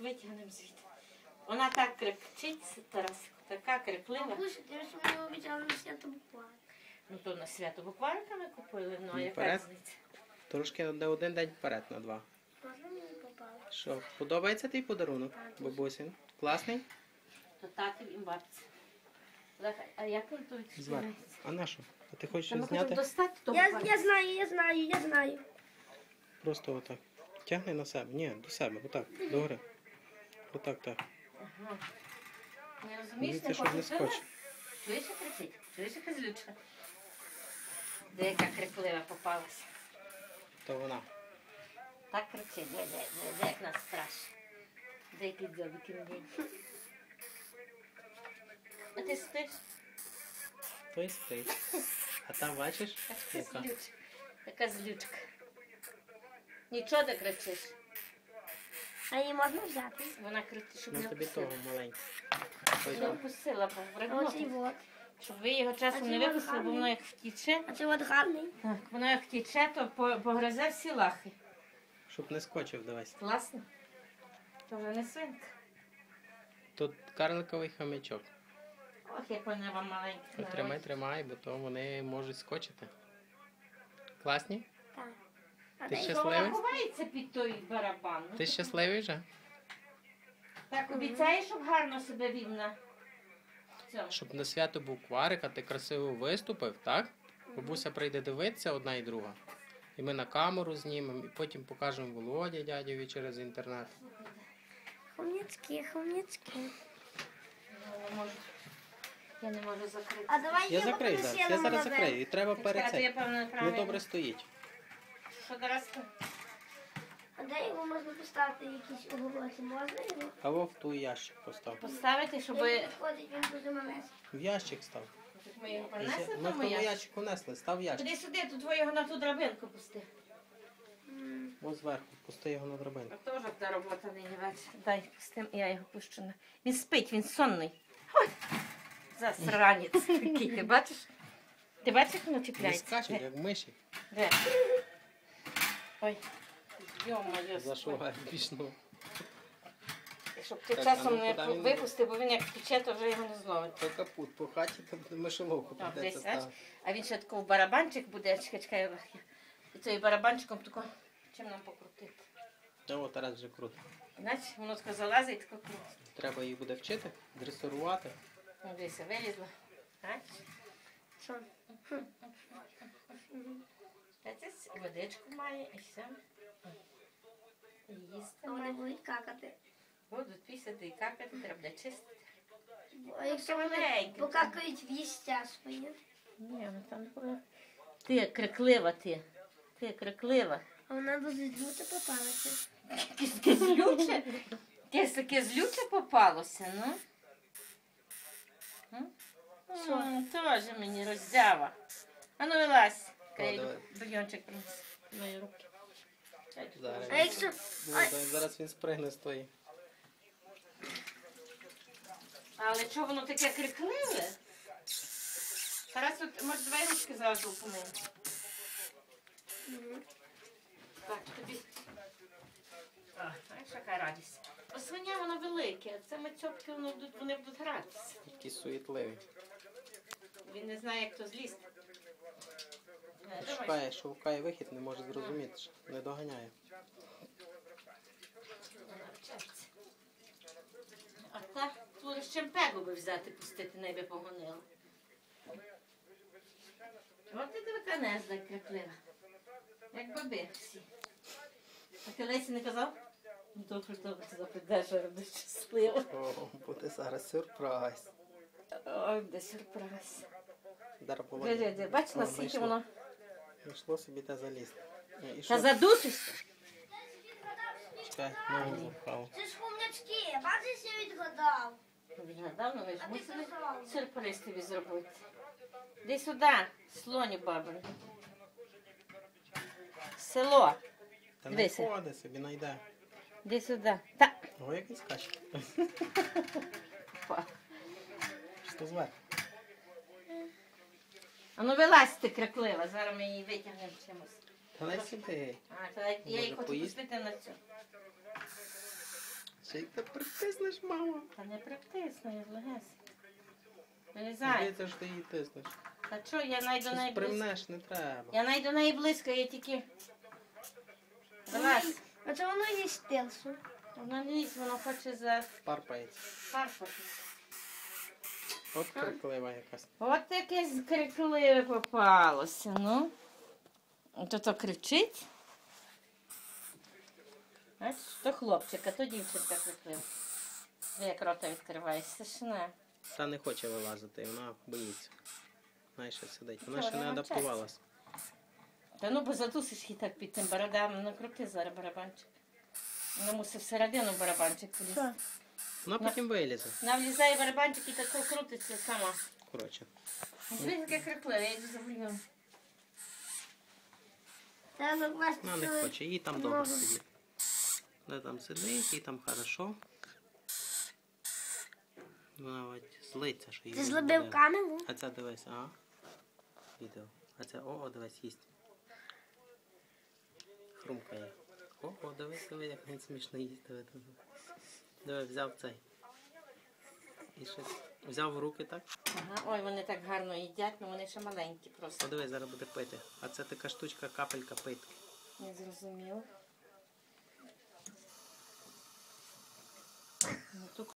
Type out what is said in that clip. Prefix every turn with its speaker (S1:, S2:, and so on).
S1: витягнемо звідти. Вона так кричить, Тарасику, така криклива.
S2: Бабуся, ти ж мені обіцяла на свято буквально.
S1: Ну то на свято буквально ми купили, ну а яка
S3: Вперед.
S1: різниця?
S3: Трошки на один день вперед, на 2.
S2: Можна мені попало?
S3: Що, подобається твій подарунок, бабусін? Класний?
S1: То татів і бабці. А як він то
S3: Звар.
S1: відчувається?
S3: А на що? А ти хочеш
S1: Та ми
S3: щось
S1: хочемо
S3: зняти?
S1: достати того
S2: Я знаю.
S3: Просто отак. Тягни на себе. Ні, до себе, отак, догори. Отак, так.
S1: Ага. Не розумієш,
S3: Дивіться,
S1: не
S3: щоб не
S1: покупила?
S3: скочить.
S1: Чуєш, як кричить? Чуєш, яка злючка? Де яка криклива попалася?
S3: То вона.
S1: Так кричить, де як нас страшно. Де який дзьобики мені. А ти спиш?
S3: Той спить. А там бачиш?
S1: Така
S3: Яка?
S1: злючка. Яка злючка. Нічого не кричиш.
S2: А її можна взяти?
S1: Вона кричить, щоб
S3: Ну
S1: не
S3: тобі
S1: вкусила.
S3: того маленького. Ой,
S1: Не
S3: так.
S1: вкусила,
S2: А оцей
S1: пригнути.
S2: вот.
S1: Щоб ви його часом не випустили, бо воно як втіче.
S2: А це от гарний.
S1: Так, воно як втіче, то погризе всі лахи.
S3: Щоб не скочив, дивись.
S1: Класно. То вже не свинка.
S3: Тут карликовий хомячок.
S1: Ох, як вони вам маленькі.
S3: Тримай, тримай, бо то вони можуть скочити. Класні?
S2: Так. А
S3: Ти
S2: де
S3: ще
S2: його?
S1: Вона
S3: щасливий?
S1: ховається під той барабан. Ну,
S3: Ти щасливий вже?
S1: Так, обіцяєш, щоб гарно себе вів на цьому.
S3: Щоб на свято був кварик, а ти красиво виступив, так? Бабуся прийде дивитися одна і друга. І ми на камеру знімемо, і потім покажемо Володі дядьові через інтернет.
S2: Хом'яцькі.
S1: Я не можу закрити.
S2: А давай
S3: Я закрию зараз, я зараз закрию. І треба
S1: Чекай,
S3: перед
S1: то я,
S3: цим.
S1: певно,
S3: Ну
S1: неправильно.
S3: добре стоїть.
S1: Що зараз?
S2: А де його можна поставити якісь оголоси? Можна його?
S3: Або в той ящик постав.
S1: Поставити, щоб
S2: Він підходить, він дуже маленький.
S3: В ящик став.
S1: ми його принесли,
S3: Ми в
S1: тому
S3: тому
S1: я.
S3: ящику несли, став в ящик.
S1: Туди сюди, тут твоєго на ту драбинку пусти.
S3: Ось зверху, пусти його на драбинку.
S1: А теж та робота нині вечір. Дай пустим, я його пущу. Він спить, він сонний. Ой, засранець такий, ти бачиш? Ти бачиш, як воно
S3: Не
S1: чіпляється?
S3: скачуть, як миші.
S1: Де? Ой, йо-моє.
S3: Зашугає пішну.
S1: Щоб ти
S3: Так,
S1: часом
S3: а ну,
S1: не
S3: куди він
S1: випустив, бо він як втече, то вже його не зловить.
S3: То капут по хаті, то мишоловку
S1: Так,
S3: придеться
S1: десь, бач?
S3: ставити.
S1: А він ще такий барабанчик буде, чекай, і цей барабанчиком тако, чим нам покрутити.
S3: Та от Тарас вже круто.
S1: Іначе воно тако залазить, тако крутить.
S3: Треба її буде вчити, дресирувати.
S1: Ну, дивися, вилізла. Бачиш?
S2: Що?
S1: Бачиш, водичку має і все. І їсти
S2: А вони
S1: має.
S2: будуть какати.
S1: Будуть пісяти і какати, треба буде чистити.
S2: А якщо вони
S1: Маленькі.
S2: покакають в їстя своє?
S1: Ні, ну там не буде. Ти криклива, ти. Ти криклива.
S2: А вона дуже злюта попалася.
S1: Таке злюче. Таке злюче попалося, ну.
S2: Що?
S1: Теж мені роздява. А ну вилазь. Кай
S3: давай.
S1: бульйончик принес. Мої руки.
S3: Зараз.
S2: А якщо...
S3: Зараз він спригне з тої.
S1: Але чого воно таке крикливе? Зараз тут, може, давай ручки зразу помиємо. Так, тобі. А, знаєш, яка радість. О, свиня, воно велике, а це мацьопки, вони будуть гратися.
S3: Такі суетливі.
S1: Він не знає, як то злізти. Давай.
S3: Шукає вихід, не може зрозуміти, що не доганяє.
S1: Вона вчиться. А так, тут ще пегу би взяти, пустити, небі погонила. От ти така незда криклива. Як баби всі. А ти Лесі не казав? Ну, добре, запитаєш, що робиш щасливо.
S3: О, буде зараз сюрприз.
S1: Ой, де сюрприз.
S3: Зараз
S1: Де, бач, наскільки воно.
S3: Йшло собі те залізти. І
S1: Та
S3: що?
S1: задушишся.
S3: Чекай, ногу запхав.
S2: Це ж хом'ячки, бачиш, я відгадав.
S1: Відгадав, ну ви ж
S2: А ти
S1: мусили
S2: казала.
S1: сюрприз тобі зробити. Іди сюди, слоню бабин. Село.
S3: Та не
S1: Дивися.
S3: ходи собі, найде.
S1: Іди сюди. Та.
S3: О, як він скаче. Що зверху?
S1: А ну вилазь ти криклива, зараз ми її витягнемо чимось.
S3: Та не сюди.
S1: А, то я її
S3: Може,
S1: хочу
S3: поїсти?
S1: пустити на цю.
S3: Ще й ти притиснеш, мама.
S1: Та не притисну, я легесенько. Вилізай.
S3: Здається, що ти її тиснеш.
S1: Та що, я найду
S3: Щось
S1: неї близько.
S3: примнеш, не треба.
S1: Я найду неї близько, я тільки... Вилазь.
S2: А це воно є стилсу.
S1: Вона лізь, вона хоче за
S3: Парпається.
S1: парфати.
S3: От криклива якась.
S1: От якесь крикливе попалося, ну. То кричить. Бачиш, то хлопчик, а то дівчинка криклива. Як рота відкриває, страшне.
S3: Та не хоче вилазити, вона боїться. Знаєш, що сидить. Вона
S1: Що,
S3: ще не
S1: вона навчається?
S3: адаптувалась.
S1: Та ну, бо задусиш її так під тим барабаном, накрути зараз барабанчик. Вона мусить всередину барабанчик полізти.
S2: Що?
S3: Вона потім вилізе.
S1: Вона влізає барабанчик і так крутиться сама.
S3: Коротше.
S1: Дивись, яке крикливе, я йду за бульйон.
S2: Треба закласти
S3: Вона не
S2: свою
S3: хоче, їй там добре
S2: ногу.
S3: сидіти. Де там сидить, їй там хорошо. Вона от злиться, що її
S2: Ти
S3: не
S2: зробив
S3: буде.
S2: камеру?
S3: А це дивись, ага. Відео. А це дивись, їсть. Хрумкає. Дивись, як він смішно їсть. Диви, взяв цей. І щось. Взяв в руки так.
S1: Ага, ой, вони так гарно їдять, але вони ще маленькі просто.
S3: Подивись, зараз буде пити. А це така штучка, капелька питки.
S1: Не зрозуміло. Ну, тут